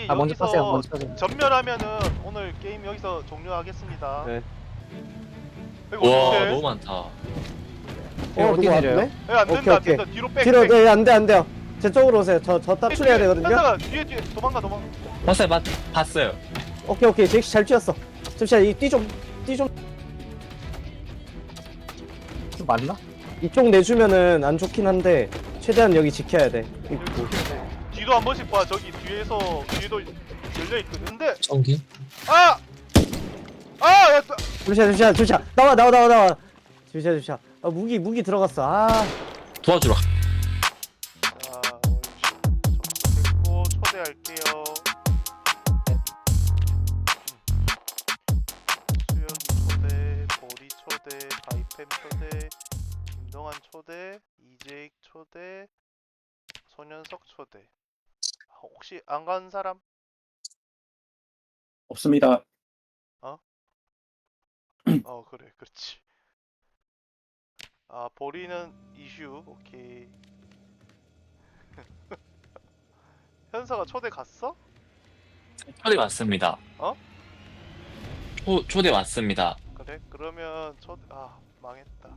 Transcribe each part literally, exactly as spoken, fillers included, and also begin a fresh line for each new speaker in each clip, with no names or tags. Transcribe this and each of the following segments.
아 먼저
여기서
타세요. 먼저 타세요.
전멸하면은 오늘 게임 여기서 종료하겠습니다.
네.
이거
와
어떡해?
너무 많다.
어,
누구
어디 내려요?
왔네?
야, 안 된다,
오케이,
안
오케이.
된다. 뒤로 백.
뒤로
백.
네, 안돼 안돼요. 제 쪽으로 오세요. 저 저 탈출해야 되거든요.
현사가 뒤에 뒤에 도망가 도망가.
봤어요, 봤, 봤어요.
오케이 오케이 잭시 잘 뛰었어. 잠시만 이띠좀띠좀
좀 맞나?
이쪽 내주면은 안 좋긴 한데 최대한 여기 지켜야 돼. 입구.
뒤도 한 번씩 봐. 저기 뒤에서 뒤에도 열려 있거든. 근데
전기?
아! 아! 야, 또-
잠시만 잠시만 잠시만 나와 나와 나와 나와. 잠시만 잠시만. 아 무기 무기 들어갔어. 아
도와주러. 가-
자, 옳지. 됐고 초대할게요. 수영이 초대, 보리 초대, 바이팸 초대, 김동환 초대, 이재익 초대, 손현석 초대. 아, 혹시 안 간 사람?
없습니다.
어 그래 그렇지. 아 보리는 이슈 오케이. 현서가 초대 갔어?
초대 왔습니다.
어?
초, 초대 왔습니다.
그래 그러면 초대 아 망했다.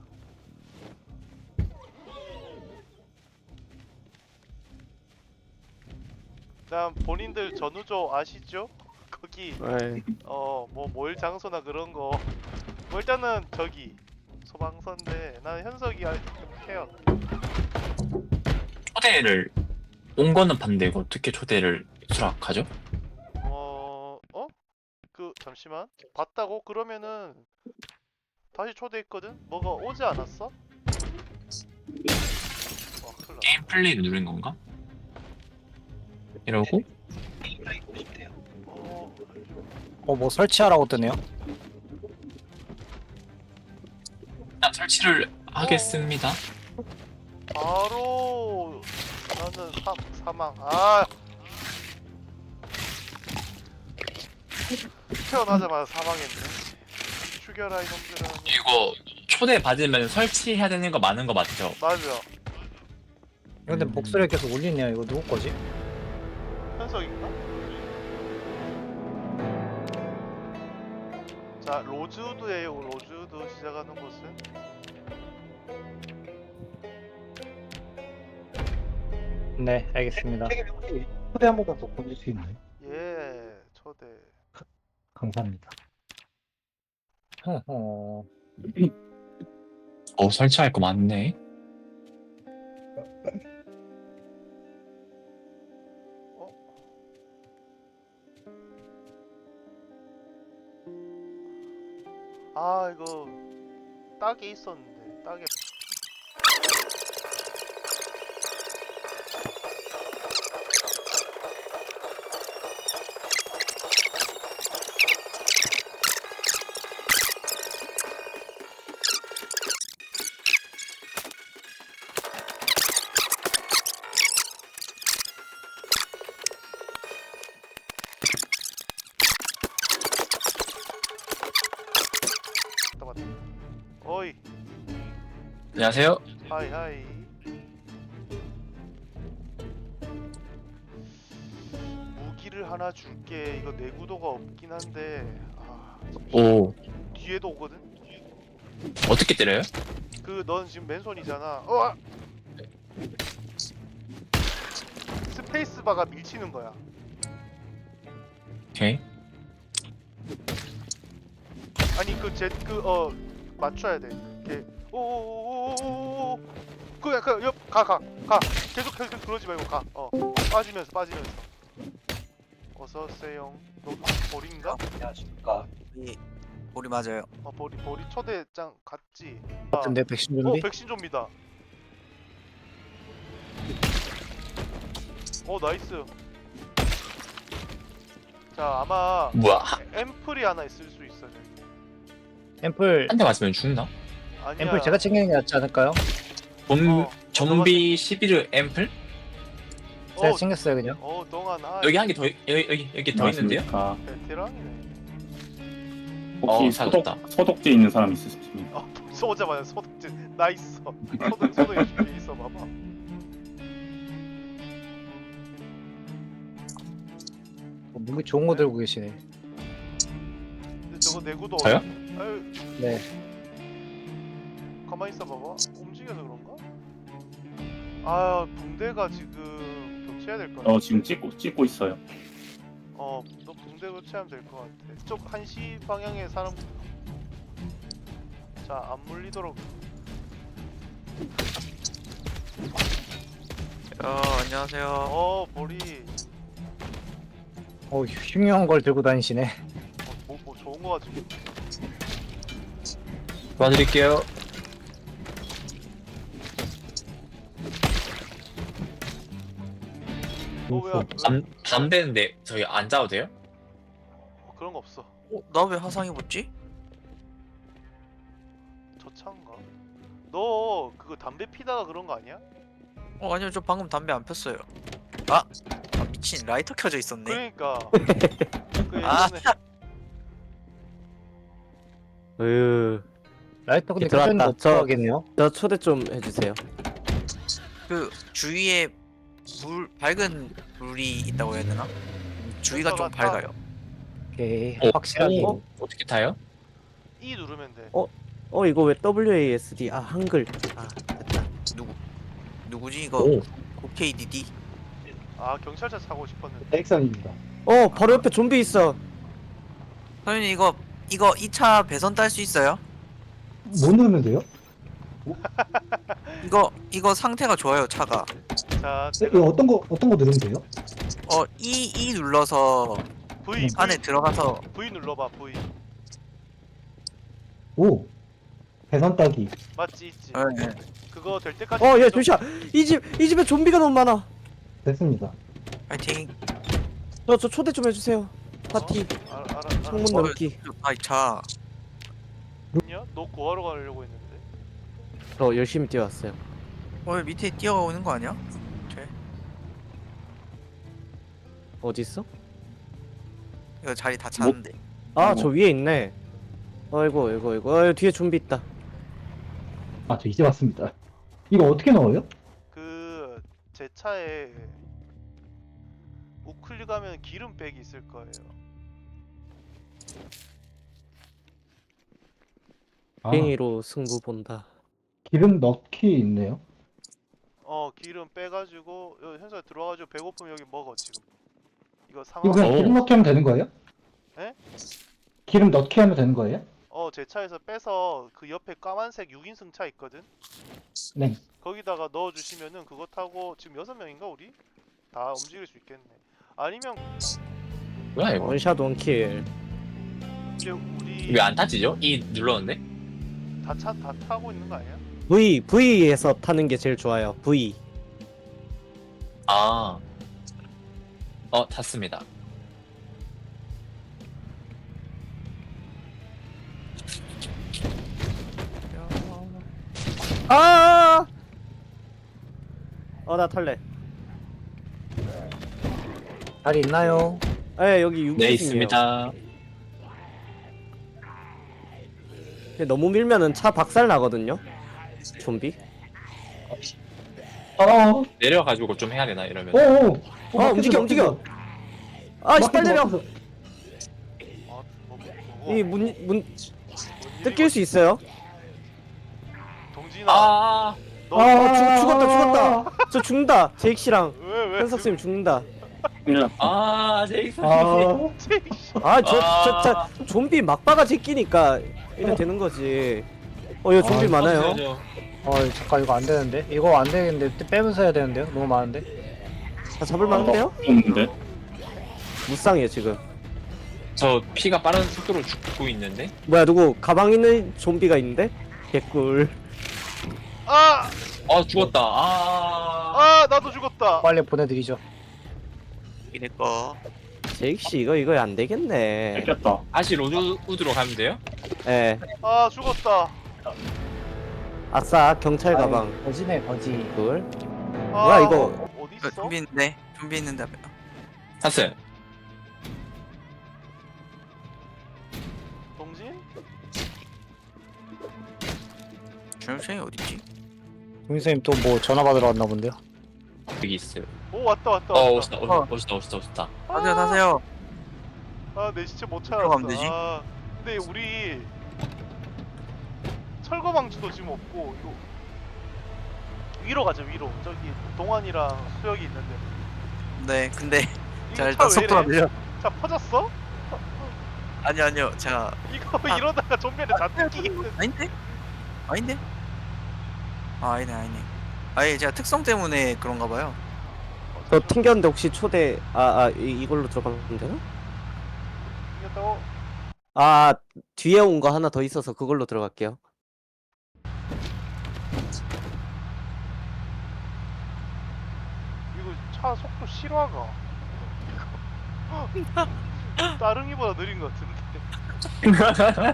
다음 본인들 전우조 아시죠? 거기
에이.
어 뭐 모일 장소나 그런 거 뭐 일단은 저기 소방서인데 나는 현석이 알- 해요.
초대를 온 거는 봤는데 이거 어떻게 초대를 수락하죠?
어, 어? 그 잠시만 봤다고? 그러면은 다시 초대했거든? 뭐가 오지 않았어? 와 큰일 났다.
게임 플레이를 누른 건가? 이러고
어,
어 뭐 설치하라고 뜨네요.
일단 설치를 하겠습니다.
바로 나는 사, 사망 아 태어나자마자 사망했네. 죽여라 이놈들은.
이거 초대 받으면 설치해야 되는 거 많은 거 맞죠?
맞아.
근데
음.
목소리가 계속 울리네요. 이거 누구 거지?
현석인가? 자 로즈우드에요. 로즈우드 시작하는 곳은
네, 알겠습니다.
초대 한 번만 더 보낼 수 있나요?
예 초대.
감사합니다.
허허.
어 설치할 거 많네.
아 이거 딱에 있었는데 딱에 왔다 왔다. 어이
안녕하세요.
하이 하이. 무기를 하나 줄게. 이거 내구도가 없긴 한데 아
오
뒤에도 오거든.
어떻게 때려요?
그 넌 지금 맨손이잖아. 어! 아! 스페이스바가 밀치는 거야.
오케이.
아니 그 제 그 어 맞춰야 돼. 이렇게 오오오오오오 그냥 그옆가가가 계속 계속 그러지 말고 가. 어 빠지면서 빠지면서. 어서 오세요. 너 보리인가?
안녕하십니까.
이 우리 맞아요.
어 보리 보리 초대장 갔지.
같은데 백신
어
준비?
백신 좀비다. 어 나이스. 자 아마
뭐야?
앰플이 하나 있을 수 있어. 저기.
앰플
한 대 맞으면 죽나?
아니야.
앰플 제가 챙기는 게 낫지 않을까요?
좀
어,
좀비 십일 앰플?
제가
어,
챙겼어요 그냥.
어 동안 아
여기 한 개 더 여기 여기 여기 더 있는데요?
안녕하십니까.
베테랑이네.
혹시
어,
소독
찾았다.
소독제 있는 사람 있으십니까?
아 벌써 오자마자 소독제 나 있어. 소독 소독 준비 있어 봐봐.
어, 무기 좋은 거 들고 계시네.
근데 저거 내구도
저요?
아유
네.
가만히 있어 봐봐. 움직여서 그런가? 아 붕대가 지금 교체해야 될 것 같아.
어 지금 찍고 찍고 있어요.
어, 너 붕대 교체하면 될 것 같아. 쪽 한 시 방향에 사람. 자, 안 물리도록.
어, 안녕하세요.
어, 머리.
어 흉흉한 걸 들고 다니시네.
어, 뭐, 뭐 좋은 거 가지고.
도와드릴게요.
너 왜, 왜
담 담배인데 저희 안 자도 돼요?
어, 그런 거 없어.
어, 나 왜 화상 입었지?
저 차인가? 너 그거 담배 피다가 그런 거 아니야?
어, 아니요, 저 방금 담배 안 폈어요. 아, 아 미친, 라이터 켜져 있었네.
그러니까. 그
아.
예전에
으,
라이터 근데
들어왔다.
켜는 못
저-
들어가겠네요.
저 초대 좀 해주세요.
그 주위에 물 밝은 물이 있다고 해야 되나? 주위가 좀
센서가
밝아요.
오케이
어,
확실하게.
어? 어떻게 타요?
E 누르면 돼.
어? 어 이거 왜 더블유 에이 에스 디 아 한글 아 됐다.
누구 누구지 이거?
오.
오케이디디?
아, 경찰차 사고 싶었는데.
백선입니다.
어 바로 옆에 좀비 있어.
선생님 이거 이거 이 차 배선 딸 수 있어요?
뭐 누르면 돼요?
이거 이거 상태가 좋아요 차가.
자,
네, 이거 어떤 거 어떤 거 누르면 돼요?
어 E E 눌러서
V, V,
안에 들어가서
V 눌러봐, V.
오 배선 따기.
맞지, 있지.
어, 네.
그거 될 때까지.
어얘
계속-
잠시만 이 집 이 집에 좀비가 너무 많아.
됐습니다.
파이팅.
저 저 초대 좀 해주세요. 파티
어? 알아, 알아, 알아.
창문
어,
넓기.
좋다 이 차.
냐? 너 구하러 가려고 했는데.
저 열심히 뛰어왔어요.
어 왜 밑에 뛰어오는 거 아니야? 쟤
어디 있어?
이거 자리 다 찼는데.
아 저 위에 있네. 아이고 아이고 아이고 어, 뒤에 좀비 있다.
아 저 이제 왔습니다. 이거 어떻게 넣어요?
그 제 차에 우클릭 하면 기름백이 있을 거예요.
아,
팽이로 승부 본다.
기름 넣기 있네요.
어, 기름 빼가지고 여기 현수야 들어와가지고 배고프면 여기 먹어 지금. 이거
이거
상황.
그냥
오.
기름 넣기 하면 되는 거예요?
에?
기름 넣기 하면 되는 거예요?
어, 제 차에서 빼서 그 옆에 까만색 육 인승 차 있거든.
네.
거기다가 넣어주시면은 그거 타고 지금 여섯 명인가 우리? 다 움직일 수 있겠네. 아니면
뭐야 이거?
원샷 원킬.
이제 우리
왜 안 타지죠? 이 눌렀는데?
다 차 다 타고 있는 거 아니야?
V V에서 타는 게 제일 좋아요. V.
아. 어 탔습니다.
아! 어 나 탈래.
자리 있나요?
에 여기 육 인승이에요.
네 있습니다.
너무 밀면은 차 박살 나거든요. 좀비.
아,
내려가지고 좀 해야 되나 이러면.
오오.
어 움직여 움직여. 아씨 빨리 내려.
아, 뭐, 뭐, 뭐,
이 문 문
뭔
뜯길 수 있어요?
동진아,
아.
너
어 죽, 죽었다 죽었다. 저 죽는다. 제익 씨랑
왜 왜?
현석 쌤 죽는다.
그냥
아 제이슨.
아,
아 저 저 저 좀비 막바가 제끼니까 이래 되는 거지. 어 이거 좀비
아,
많아요.
터져야죠.
어 잠깐 이거 안 되는데. 이거 안 되겠는데 빼면서 해야 되는데요. 너무 많은데.
다 잡을 만한데요?
없는데.
무쌍이에요 지금.
저 피가 빠른 속도로 죽고 있는데.
뭐야 누구 가방 있는 좀비가 있는데? 개꿀.
아,
아 죽었다. 아.
아, 나도 죽었다.
빨리 보내드리죠.
이내 거.
제익 씨 이거 이거 안 되겠네.
뺏겼다.
다시 로드 우드로 가면 돼요?
예.
아, 죽었다.
아싸 경찰 가방.
아이, 거지네 거지.
개꿀.
아,
뭐야, 이거?
어디
어,
있어?
좀비 있는데 좀비 있는데.
탔어요.
동진?
준영이 어딨지?
동생님 또 뭐 전화 받으러 왔나 본데요.
여기 있어요.
오, 왔다 왔다
어
왔다.
오셨다 오셨다 오셨다 오셨다 오셨다.
타세요 타세요.
아, 내 시체 못 찾았어.
들어가면 되지?
아, 근데 우리 철거 방지도 지금 없고 이거 위로 가자 위로. 저기 동환이랑 수혁이 있는데.
네, 근데
이거
자
차
일단
왜
속도가
이래?
느려.
차 퍼졌어?
아니요, 아니요. 제가
이거
아.
이러다가 좀비한테 잔뜩 끼겠는데.
아닌데? 아닌데? 아, 아니네, 아니네. 아예 제가 특성 때문에 그런가 봐요.
저 튕겼는데 혹시 초대 아 아 이걸로 들어가면 되나?
이겼다고?
아 뒤에 온 거 하나 더 있어서 그걸로 들어갈게요.
이거 차 속도 실화가. 이거 따릉이보다 느린 것 같은데.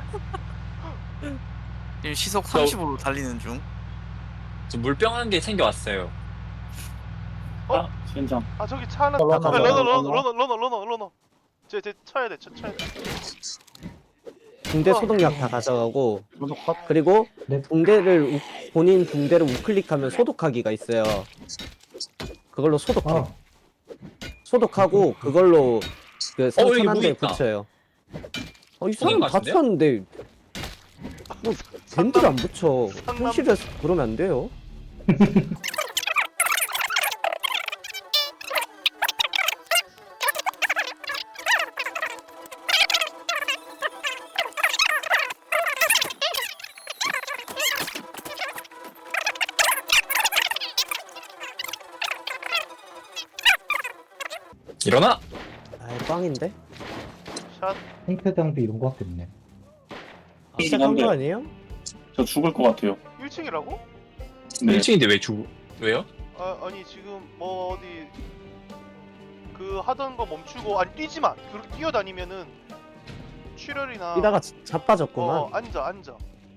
지금 시속
저-
삼십으로 달리는 중.
저 물병 한 개 챙겨왔어요.
어?
아, 젠장.
아 저기 차 하나.
러너,
아,
러너,
러너
러너.
러너 러너 러너 러너 러너. 쟤쟤 쳐야 돼. 쳐 쳐야 돼.
붕대
어.
소독약 다 가져가고
소독 컷.
그리고
네.
붕대를 우, 본인 붕대를 우클릭하면 소독하기가 있어요. 그걸로 소독해.
아,
소독하고 그걸로 그
어, 여기
상처난
무기
데
있다.
붙여요. 어, 이
무기인
사람
것
다
같은데요?
쳤는데 뭐 밴드를 안 붙여.
상남-
현실에서 그러면 안 돼요.
일어나!
아이 꽝인데?
샷.
생태장비 이런 거밖에 없네.
시작한 거 아니에요?
저 죽을 것 같아요.
일 층이라고?
네.
일 층인데 왜 주, 왜요?
아 아니 지금 뭐 어디 그 하던 거 멈추고 아니 뛰지 마. 그렇게 뛰어다니면은 출혈이나.
뛰다가 자- 자빠졌구만.
어 앉아 앉아.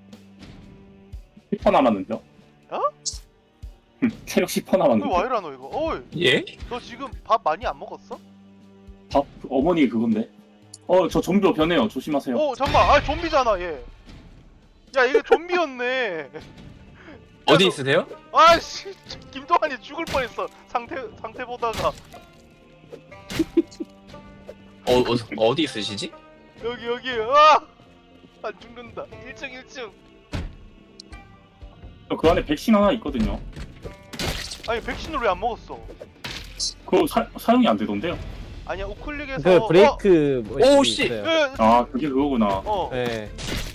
십 퍼 남았는데요?
어?
체력 십 퍼
왜
남았는데.
와이라 너 이거? 어이
예?
너 지금 밥 많이 안 먹었어?
밥, 어머니 그건데. 어, 저 좀비로 변해요. 조심하세요.
어 잠깐 아 좀비잖아 얘. 야 이게 좀비였네.
어디
너-
있으세요?
아씨 김동환이 죽을 뻔했어. 상태 상태 보다가
어, 어, 어디 있으시지?
여기 여기 아! 안 죽는다. 일 층 일 층.
그 안에 백신 하나 있거든요.
아니 백신을 왜 안 먹었어?
그거 사, 사용이 안 되던데요?
아니야 우클릭에서
그 브레이크 뭐
오,
있-
씨!
있어요.
어,
아, 그게 그거구나.
어.
네.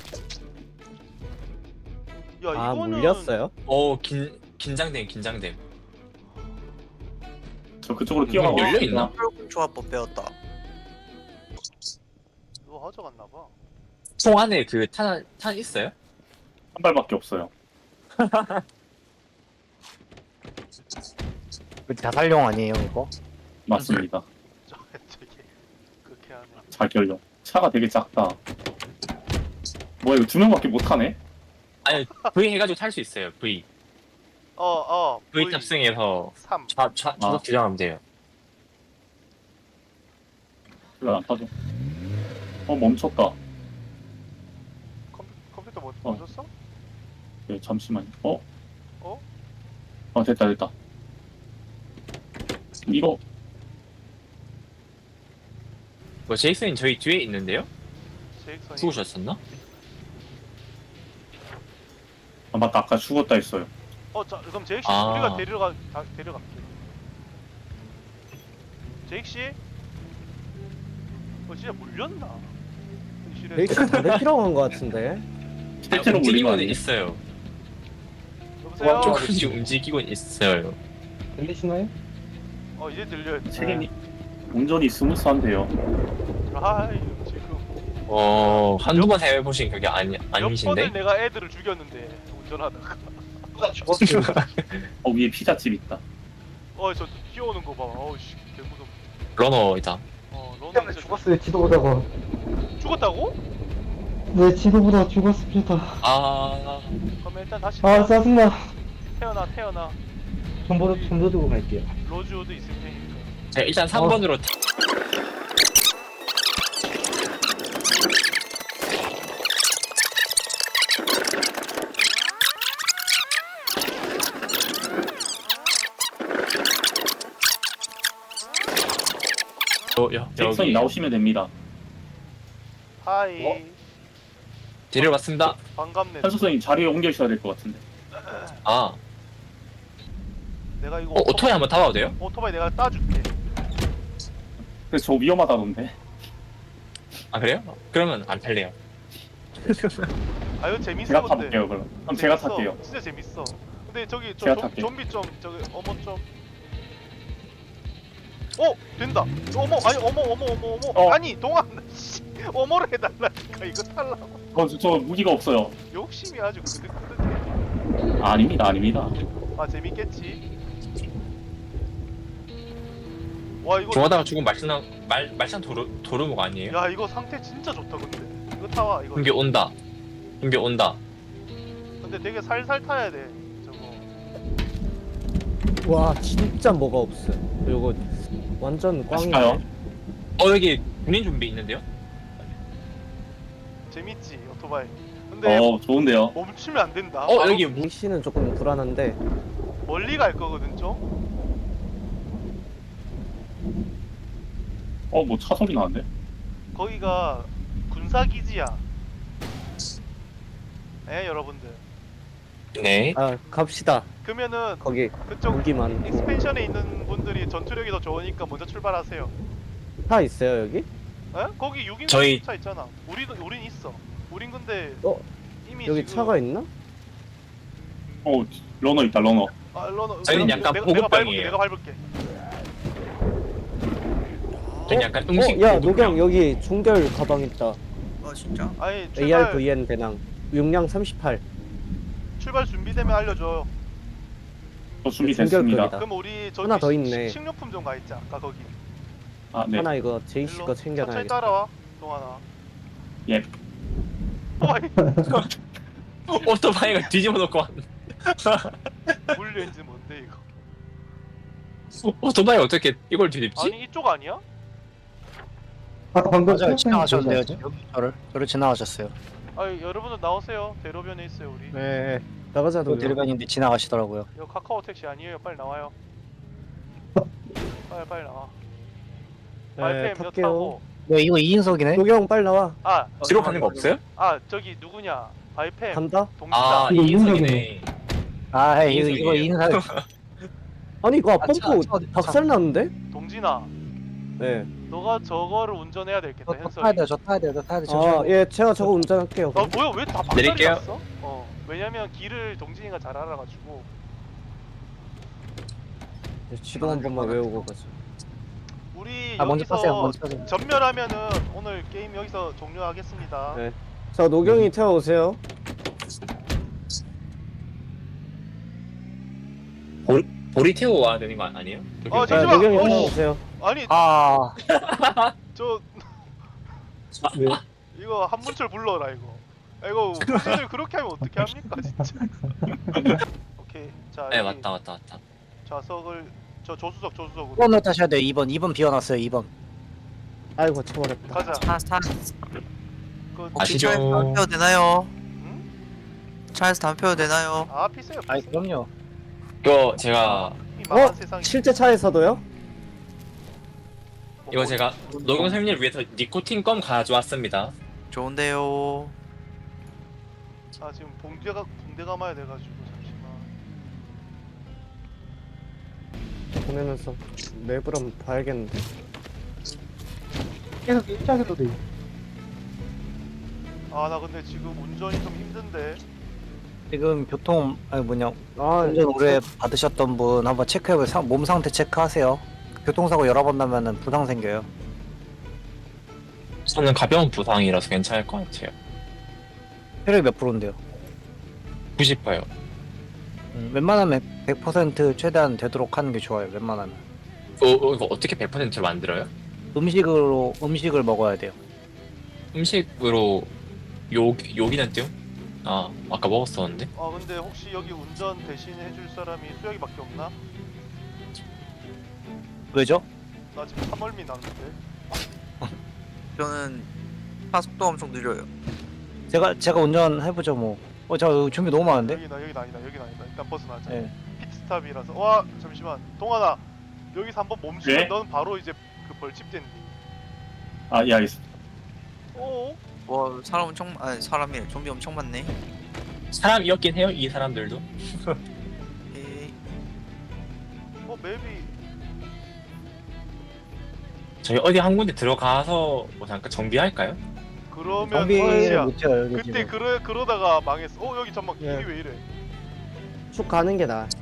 야
아
이거는
물렸어요?
어, 긴, 긴장됨, 긴장됨.
저 그쪽으로
문이
뛰어가고
열려 있나?
혈군 조합법 배웠다.
이거 가져갔나 봐.
총 안에 그 탄, 탄 있어요?
한 발밖에 없어요.
그 자살용 아니에요 이거?
맞습니다.
저 저기 그렇게 하네.
자결용. 차가 되게 작다. 뭐야 이거 두 명밖에 못 타네?
아니, V 해가지고 탈 수 있어요, V.
어어
V 탑승해서
삼.
좌, 좌,
아.
좌석 조정하면 돼요.
별로 안 타죠. 어 멈췄다.
컴, 컴퓨터 뭐
어.
멈췄어?
네, 잠시만요. 어?
어?
어 됐다 됐다. 이거
뭐, 제이슨이 저희 뒤에 있는데요?
제익선이.
죽으셨었나?
아 맞다 아까 죽었다 했어요.
어, 자, 그럼 제익 씨
아.
우리가 데려가 다, 데려갈게. 제익 씨? 어 진짜 물렸나? 현실에서.
브레이크 다른 필요한 거 같은데.
실제로 물린 거
움직이고는
아니에요?
있어요.
여보세요?
조금씩 움직이고는 있어요.
들리시나요?
어 이제 들려요.
체력이 운전이 스무스한데요.
아이 지금
어, 한두 번 해보신 그게 아니,
몇
아니신데?
번을 내가 애들을 죽였는데 운전하다가.
죽었어요.
어 위에 피자집 있다.
어저 뛰어오는 거 봐. 어우 씨 개무섭.
러너이다.
어 너는
때문에
진짜
죽었어요. 지도 보다가.
죽었다고?
네, 지도 보다 죽었습니다.
아,
그럼 일단 다시
아, 짜증나.
태어나 태어나.
정보도 정보 들고 갈게요.
로즈우드 있을 테니까.
자, 일단 삼 번으로 어, 여,
잭슨이
여기
나오시면 됩니다.
하이.
어?
데리러 왔습니다.
반갑네.
현수선님 자리에 옮겨 있어야 될 것 같은데.
아,
내가 이거
어, 오토바이 한번 타봐도 돼요?
오토바이 내가 따줄게.
그래서 저 위험하다던데.
아, 그래요? 그러면 안 탈래요.
아 이거 재밌어
제가
근데.
타볼게요 그럼. 그럼 제가
재밌어.
탈게요.
진짜 재밌어. 근데 저기 저
제가
좀,
탈게요.
좀비 좀 저기 어머 좀. 어 된다. 어머 아니 어머 어머 어머 어머
어.
아니 동안 씨, 어머를 해달라니까 이거 탈라고.
어, 저, 저 무기가 없어요.
욕심이 아주 그득그득해.
아, 아닙니다 아닙니다.
아 재밌겠지. 와 이거
좋아하다가 죽은 말짱 말 말짱 도르 도르목 아니에요?
야 이거 상태 진짜 좋다 근데 이거 타와 이거.
준비 온다. 준비 온다.
근데 되게 살살 타야 돼 저거.
와 진짜 뭐가 없어. 요거 완전 꽝이네.
가실까요?
어, 여기 군인 준비 있는데요?
재밌지 오토바이. 근데
어, 좋은데요.
멈추면 안 된다.
어,
바로
여기 무...
씨는 조금 불안한데.
멀리 갈 거거든 좀.
어, 뭐 차 소리 나는데?
거기가 군사기지야. 에 여러분들.
네.
아 갑시다.
그러면은
거기
그쪽
무기 많고.
익스펜션에 있는 분들이 전투력이 더 좋으니까 먼저 출발하세요.
차 있어요 여기?
에? 거기 육 인승
저희-
차 있잖아. 우리도 우린 있어. 우린 근데
어
이미
여기
지금
차가 있나?
어, 러너 있다 러너.
아, 러너,
저희는
내가-
약간
내가, 내가 밟을게.
보급병이에요.
내가 밟을게.
전 약간 음식
어, 야
보급병.
노경 여기 종결 가방 있다.
어 진짜?
아니 출발
에이알브이엔 배낭 용량 삼십팔.
출발 준비되면 알려줘.
저 준비됐습니다.
중결급이다.
그럼 우리 저기
하나 더 있네.
식- 식료품 좀 가 있자. 아까 거기.
아, 네.
하나 이거 제이씨
일로
거
천천히
챙겨놔야겠다.
따라와. 동하나.
예.
오토바이
오토바이가 뒤집어 놓고 왔...
물 렌즈 뭔데 이거?
오토바이 어떻게 이걸 뒤집지?
아니 이쪽 아니야?
아까 방금
맞아요.
태웠던
지나가셨는데요.
거죠?
여기 저를 저를 지나가셨어요.
아니 여러분들 나오세요. 대로변에 있어요 우리.
네 나가자
또
노경.
데리반인데 지나가시더라고요.
이거 카카오 택시 아니에요. 빨리 나와요. 빨리 빨리 나와.
네
발팸 몇
탈게요.
타고.
네, 이거 이 인석이네.
노경 빨리 나와.
아,
뒤로 가는 거 없어요?
아 저기 누구냐? 발팸
간다?
동지다.
아,
이거
이인석이네.
아, 이거
인석이에요.
이거 인석.
아니 이거
아,
펌프
차, 차 어디-
박살 났는데?
동진아,
네.
너가 저거를 운전해야 되겠다.
저, 저 타야
현석이.
돼요. 저 타야 돼요. 저 타야 돼요.
아 예 제가 저거 운전할게요.
아 뭐야 왜 다 박살이
내릴게요.
났어? 어 왜냐면 길을 동진이가 잘 알아가지고.
예, 지도 한 번만 외우고 가자.
우리
아, 먼저
여기서
타세요. 먼저 타세요.
전멸하면은 오늘 게임 여기서 종료하겠습니다.
네. 자 노경이 태워오세요.
보리 태워 와야 되는 거 아니에요?
어,
자
잠시만.
노경이
어우.
태워오세요.
아니
아,
저
왜?
이거 한문철 불러라 이거. 아, 이거 후진을 그렇게 하면 어떻게 합니까 진짜. 오케이 자
네,
여기
맞다, 맞다, 맞다.
좌석을 저 조수석 조수석으로
이 번을 타셔야 돼요. 이 번. 이 번 비워놨어요. 이 번.
아이고 쳐버렸다.
가자.
차, 차,
그
혹시
아시죠?
차에서 담배 피워도 되나요?
응?
차에서 담배 피워도 되나요?
아 피세요
아이,
피세요.
그럼요.
이거 제가
이 망한
어?
세상이.
실제 차에서도요?
뭐,
이거 제가 노경 선생님을 위해서 니코틴 껌 가져왔습니다.
좋은데요.
아 지금 붕대가 붕대 감아야 돼가지고 잠시만.
보내면서 맵을 한번 봐야겠는데.
계속 일자기도 돼.
아 나 근데 지금 운전이 좀 힘든데.
지금 교통 아니 뭐냐
아
운전 오래 받으셨던 분 한번 체크해보세요. 상- 몸 상태 체크하세요. 교통사고 여러 번 나면은 부상 생겨요.
저는 가벼운 부상이라서 괜찮을 것 같아요.
체력이 몇 프로인데요?
구십 퍼요.
음, 웬만하면 백 퍼센트 최대한 되도록 하는 게 좋아요. 웬만하면.
어, 어, 이거 어떻게 백 퍼센트를 만들어요?
음식으로 음식을 먹어야 돼요.
음식으로 요 요기는 띠요? 아, 아까 먹었었는데.
아 근데 혹시 여기 운전 대신 해줄 사람이 수혁이밖에 없나?
왜죠?
나 지금 삼월미 났는데.
저는 차 속도 엄청 느려요.
제가 제가 운전해보죠 뭐. 어, 저 준비 너무 많은데?
여기다 여기다 아니다 여기다 아니다. 일단 벗어나자.
네.
피트스탑이라서. 와 잠시만. 동환아 여기서 한번 멈추면
네?
넌 바로 이제 그 벌집 된디.
아, 예, 알겠습니다.
어?
와 사람 엄청 아니 사람이 좀비 엄청 많네.
사람이었긴 해요 이 사람들도.
에이,
어 맵이
저희 어디 한 군데 들어가서 뭐 잠깐 정비할까요?
그러면
정비를
끝이야.
못해요 여기
그때
지금.
그러 그러다가 망했어. 어 여기 잠만 길이
예.
왜 이래?
쭉 가는 게 나아.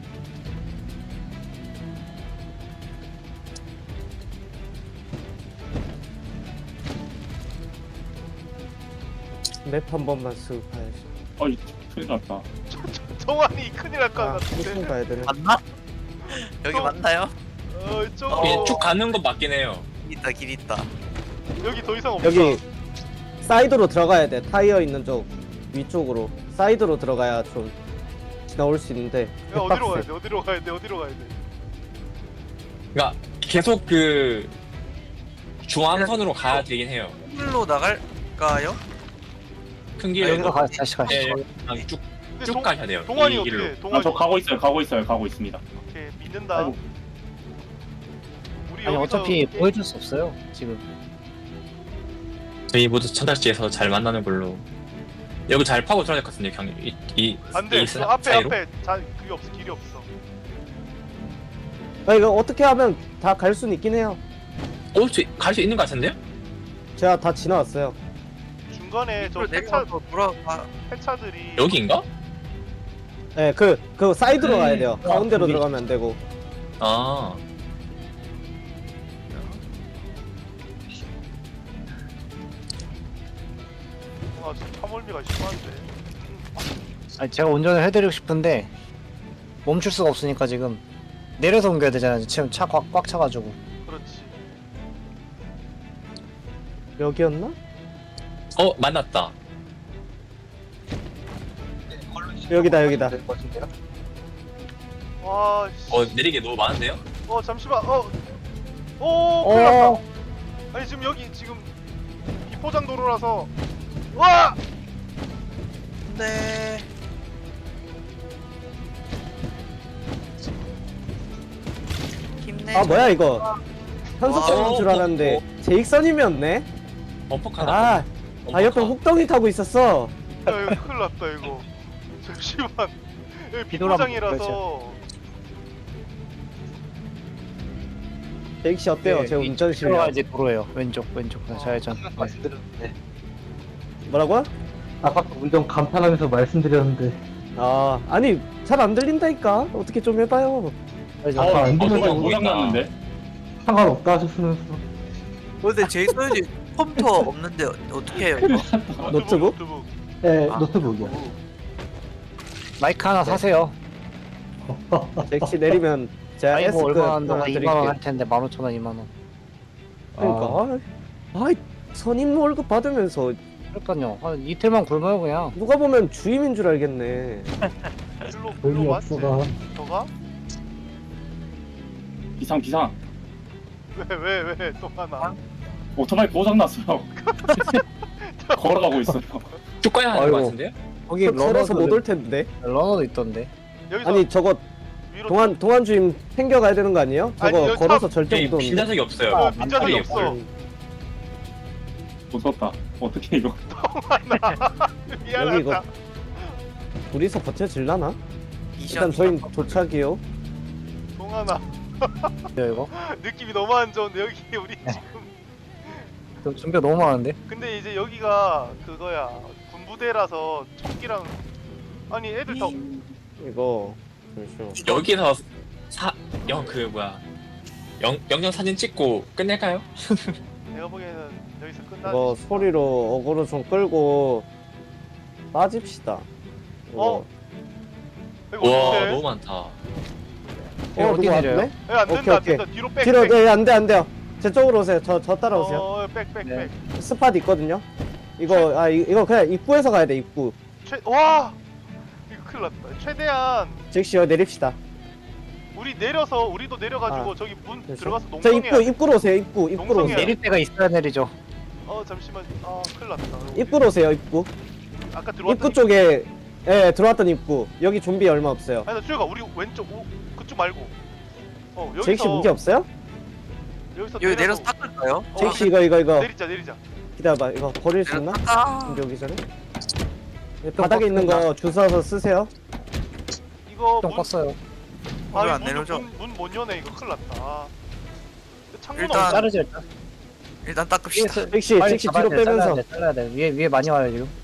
맵 한 번만 쓱 봐야지.
어이 큰일 났다.
정환이 큰일 날 것
아, 무슨
같은데.
가야 되네.
맞나? 여기
어.
맞나요?
어 저거
그냥 쭉 가는 건 맞긴 해요.
길 있다 길 있다.
여기 더 이상 없어.
여기 사이드로 들어가야 돼. 타이어 있는 쪽 위쪽으로 사이드로 들어가야 좀 지나올 수 있는데.
야 어디로 가야
빡세.
돼? 어디로 가야 돼? 어디로 가야 돼?
그러니까 계속 그 중앙선으로 가야 되긴 해요.
길로 나갈까요?
큰 길로.
여기로 가 다시 가시죠.
네, 그냥 쭉,
근데
쭉
동,
가셔야 돼요.
동환이
이
어떻게?
길로.
해? 동환이
아 저 가고 있어요. 가고 있어요. 가고 있습니다.
오케이 믿는다.
아이고.
우리
아니
여기서
어차피
게임-
보여줄 수 없어요 지금.
저희 모두 천달지에서 잘 만나는 걸로. 여기 잘 파고 들어야 될 것 같은데 그냥 이, 이,
안돼.
이
그
사-
앞에
사이로?
앞에 자 그게 없어. 길이 없어.
아, 이거 어떻게 하면 다 갈 수는 있긴 해요.
어? 갈 수 있는 것 같은데요?
제가 다 지나왔어요.
중간에 저
길로
폐차
내려가서 돌아가.
폐차들이
여기인가?
네, 그, 그 사이드로 가야 돼요.
아,
가운데로
여기.
들어가면 안 되고.
아
아 진짜 파멀미가 심한데.
아니 제가 운전을 해드리고 싶은데 멈출 수가 없으니까 지금 내려서 옮겨야 되잖아요. 지금 차 꽉 꽉 차가지고.
그렇지.
여기였나?
어 만났다.
여기다, 여기다.
될 것 같은데요?
와 씨.
어 내리게 너무 많은데요?
어 잠시만. 어. 오 큰일 났다.
어,
아니 지금 여기 지금 비포장 도로라서 와!
네. 힘내.
아, 뭐야, 이거. 현석선인
와.
줄 알았는데, 제익선임이었네?
범퍼카다.
아, 아, 옆에 혹덩이 타고 있었어.
야 이거 큰일 났다 이거. 잠시만. 여기
비도람
비포장이라서
제익씨 어때요? 제 운전 실력.
들어가야지 도로예요. 왼쪽 왼쪽 좌회전.
말씀드렸는데
뭐라고요?
아까 운전 감탄하면서 말씀드렸는데
아, 아니, 잘 안 들린다니까? 어떻게 좀 해봐요.
아까
어,
안
어,
들려서
도장 고장 났는데.
상관없다 하셨으면서
근데 제이슨이 컴퓨터 없는데 어떻게 해요 이거?
노트북?
노트북.
네
아.
노트북이요.
마이크 하나 사세요.
제익씨 내리면 제가
아이고
S급
얼마
하나
한다고
드릴게요.
이만 원 할 텐데 만 오천 원 이만 원.
그러니까, 아, 아이, 선임 월급 받으면서
그러니까요. 한 이틀만 굶어요 그냥.
누가 보면 주임인 줄 알겠네.
일로
의미
일로 맞지?
없어가.
저가?
비상 비상.
왜 왜 왜 또 하나?
오토바이 고장 났어요. 걸어가고 있어요.
쭉 가야 하는
아이고.
것 같은데요?
거기
걸어서 못
러너도
올 텐데.
러너도 있던데.
여기서
아니, 저거
위로
동안 동안 주임 챙겨가야 되는 거 아니에요?
아니,
저거
여기
걸어서
차-
절대
네,
못 오는데.
빈자석이 없어요.
어, 빈자석이
안
없어.
타요.
무섭다. 어떻게 이거?
미안하다.
이거- 둘이서 버텨질라나?
미션
일단 저희 도착이요.
동하나
이거.
느낌이 너무 안 좋은데 여기 우리 지금
저 준비가 너무 많은데.
근데 이제 여기가 그거야 군부대라서 총기랑 아니 애들 다
이거 잠시만.
여기서 사, 영, 그 뭐야. 영, 영영 사진 찍고 끝낼까요?
내가 보기에는 여기서 끝나지.
이거 소리로 어그로 좀 끌고 빠집시다. 이거.
어? 이거
와,
어떡해?
너무 많다.
어,
어디
누구
내려요?
왔네?
야, 안 된다
오케이,
안 된다 뒤로 백.
뒤로
백.
네, 안 돼, 안 돼요. 제 쪽으로 오세요. 저, 저 따라오세요.
어, 백, 백,
네.
백.
스팟 있거든요. 이거 아 이, 이거 그냥 입구에서 가야 돼. 입구.
최, 와, 이거 큰일 났다. 최대한
즉시 여기 내립시다.
우리 내려서 우리도 내려가지고
아,
저기 문
그래서?
들어가서
저
농성해야
입구
돼.
입구로 오세요. 입구 입구로
농성해야
오세요.
돼.
내릴 때가 있어야 내리죠.
어, 잠시만. 아, 큰일 났다.
입구로 오세요. 입구.
아까 들어왔던
입구 쪽에 예 들어왔던 입구. 여기 좀비 얼마 없어요.
아니, 나 수혁아, 우리 왼쪽 오, 그쪽 말고. 어, 여기서
제익씨 무기 없어요?
여기서
여기 내려서 닦을까요?
어,
제익씨 이거 이거 이거
내리자, 내리자.
기다려봐. 이거 버릴 수 있나?
아,
준비 오기 전에. 네, 바닥에 있는 거 주워서 쓰세요.
이거
좀
문,
껐어요.
아,
왜안
문,
내려줘?
문, 문 못 여네. 이거 큰일 났다. 창문
일단-
없
자르지 일단.
일단 닦읍시다.
잭시,
빨리
잭시
잡아야
뒤로
돼,
빼면서.
잘라야 돼, 잘라야 돼. 위에 위에 많이 와요 지금.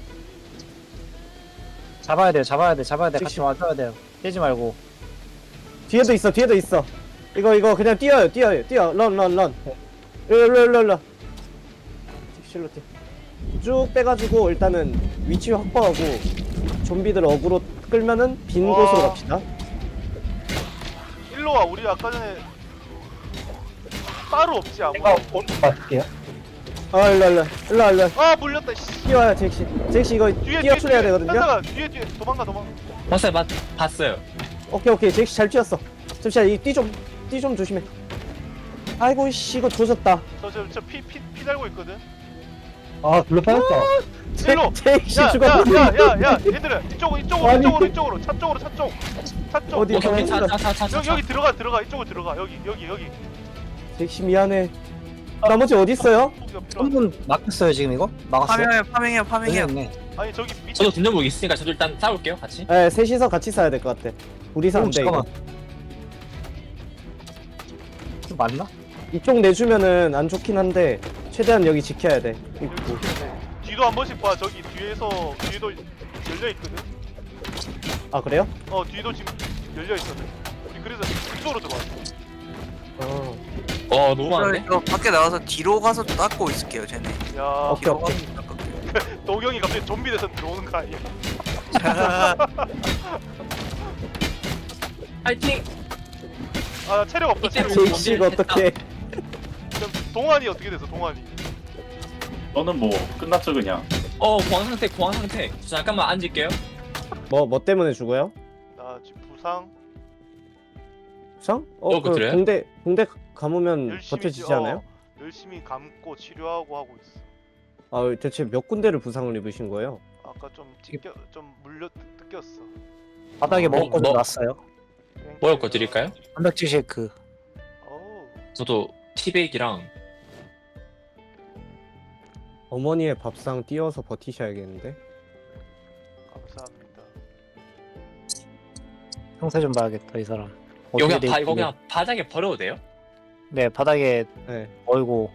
잡아야 돼요, 잡아야 돼, 잡아야 돼. 같이
잭시.
와줘야 돼요. 떼지 말고.
뒤에도 있어, 뒤에도 있어. 이거 이거 그냥 뛰어요, 뛰어요, 뛰어. 런, 런, 런. 일로, 일로, 일로, 일로. 잭시로 뛰어. 쭉 빼가지고 일단은 위치 확보하고 좀비들 어그로 끌면은 빈
와.
곳으로 갑시다.
일로 와. 우리 아까 전에 따로 없지 아무.
제가 오른쪽 맞을게요.
아, 일로, 일로, 일로, 일로.
아 물렸다. 씨.
뛰어요, 잭시. 잭시 이거
뒤에
뛰어출해야 되거든요.
현사가 뒤에 뒤에 도망가 도망가.
봤어요, 봤, 봤어요.
오케이, 오케이. 잭시 잘 뛰었어. 잠시만, 이띠 좀, 띠 좀 조심해. 아이고, 씨, 이거 조졌다.
저저저피피피 달고 있거든.
아, 둘러 빠졌다.
일로.
잭시
야,
죽었어.
야, 야, 야, 야, 얘들아, 이쪽으로, 이쪽으로,
아니.
이쪽으로, 이쪽으로, 차 쪽으로, 차 쪽, 차 쪽.
어디?
오케이, 오케이, 차, 차, 차, 차, 차.
여기, 여기 들어가, 들어가, 이쪽으로 들어가, 여기, 여기, 여기.
잭시 미안해. 나머지 어디 있어요?
소리가 필요하다.
한분 막혔어요 지금 이거? 막았어요?
파밍해요, 파밍해요, 파밍해요.
네
아니 저기 밑에
저도 등전복 있으니까 저도 일단 싸울게요, 같이.
네, 셋이서 같이 싸야 될 것 같아. 둘이서 안 돼, 이거.
좀 맞나?
이쪽 내주면은 안 좋긴 한데 최대한 여기 지켜야 돼.
여기 밑에 뒤도 한 번씩 봐. 저기 뒤에서 뒤에도 열려 있거든.
아, 그래요?
어, 뒤도 지금 열려 있거든. 우리 그래서 이쪽으로 들어왔어.
어.
어, 너무 많은데?
저 밖에 나가서 뒤로 가서 닦고 있을게요, 쟤네.
야,
오케이,
뒤로
오케이.
가서 닦을게요.
도경이 갑자기 좀비 돼서 들어오는 거 아니야?
파이팅!
아, 나 체력 없다. 체력.
이제-
잭시 이거 어떡해.
그럼 동환이 어떻게 됐어? 동환이.
너는 뭐 끝났죠 그냥.
어, 공황 상태, 공황 상태. 저 잠깐만 앉을게요.
뭐, 뭐 때문에 죽어요?
나 지금 부상.
부상? 어,
어,
그
그래요?
붕대, 붕대 감으면
열심히
버텨지지
찌- 어,
않아요?
열심히 감고 치료하고 하고 있어.
아, 대체 몇 군데를 부상을 입으신 거예요?
아까 좀 찢겨 좀 물려 뜯겼어.
바닥에
어,
먹을 거도
뭐?
놨어요.
먹을 거 드릴까요?
단백질 쉐이크.
어우,
저도 티백이랑
어머니의 밥상 띄워서 버티셔야겠는데?
감사합니다.
형세 좀 봐야겠다 이 사람.
여기
어떻게
바,
돼
이거
있길래.
그냥 바닥에 버려도 돼요?
네 바닥에
네.
얼고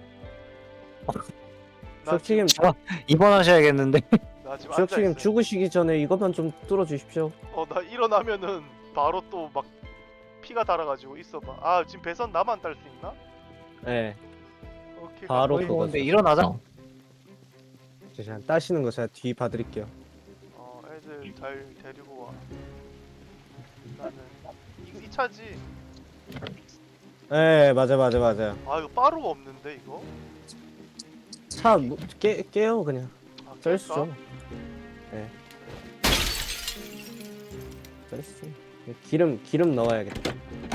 나
수석님,
지금,
입원하셔야겠는데.
나 지금 앉아
수석님
있어.
죽으시기 전에 이것만 좀 뚫어주십시오.
어, 나 일어나면은 바로 또 막 피가 달아가지고 있어봐. 아, 지금 배선 나만 딸 수 있나?
네.
오케이.
바로
가자.
그거.
근데 일어나자.
어.
제가 따시는 거 제가 뒤 봐드릴게요.
어, 애들 잘 데리고 와. 나는 이, 이 차지.
네, 맞아, 맞아, 맞아.
아, 이거 빠루가 없는데 이거?
차 뭐, 깨, 깨요 그냥.
아,
썰수죠. 네. 썰수. 기름, 기름 넣어야겠다.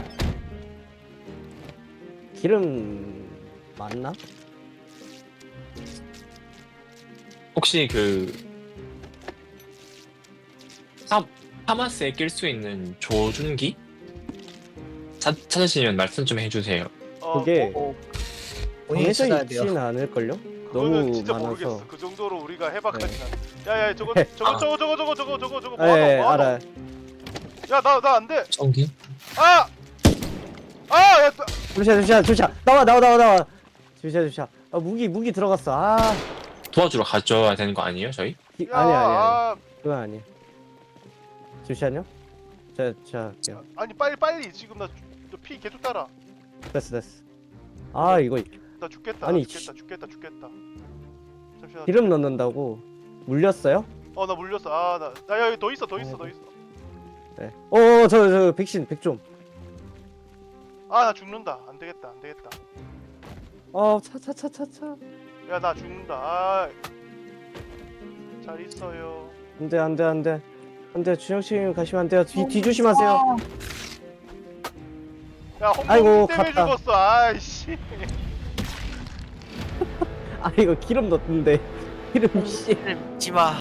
기름 맞나?
혹시 그 사, 파마스에 낄 수 있는 조준기? 찾, 찾으시면 말씀 좀 해주세요.
어,
그게
뭐,
본인이
정해져
찾아야 돼요.
있진 않을걸요?
그거는
너무
진짜
많아서.
모르겠어. 그 정도로 우리가 해박하진
네.
않아. 야야 저거
네.
저거
아.
저거 저거 저거 저거 저거 저거 뭐
네,
하노? 뭐 하노?
알아요.
야나 나 안 돼.
전기?
아! 아! 야, 나-
잠시만, 잠시만, 잠시만. 나와, 나와, 나와, 나와. 잠시만, 잠시만. 아, 무기, 무기 들어갔어. 아,
도와주러 가줘야 되는 거 아니에요, 저희?
기,
야,
아니, 아니, 아니.
아,
그건 아니야. 잠시만요. 자, 자, 할게요.
아니 빨리 빨리 지금 나 피 계속 따라.
됐어, 됐어. 아, 이거
나 죽겠다.
아니,
나 죽겠다. 죽겠다. 죽겠다. 잠시만.
기름 넣는다고 물렸어요?
어, 나 물렸어. 아, 나, 나 야, 여기 더 있어. 더 있어. 더 있어.
네. 어, 저, 저 백신 백 좀.
아, 나 죽는다. 안 되겠다. 안 되겠다.
어, 차, 차, 차, 차, 차.
야, 나 죽는다. 아. 잘 있어요.
안돼, 안돼, 안돼. 안돼, 준영 씨 가시면 안 돼요. 뒤, 뒤 조심하세요.
야, 홍콩
아이고,
때문에
갔다.
죽었어. 아이씨.
아, 이거 기름 넣던데. 기름 씨.
믿지 마.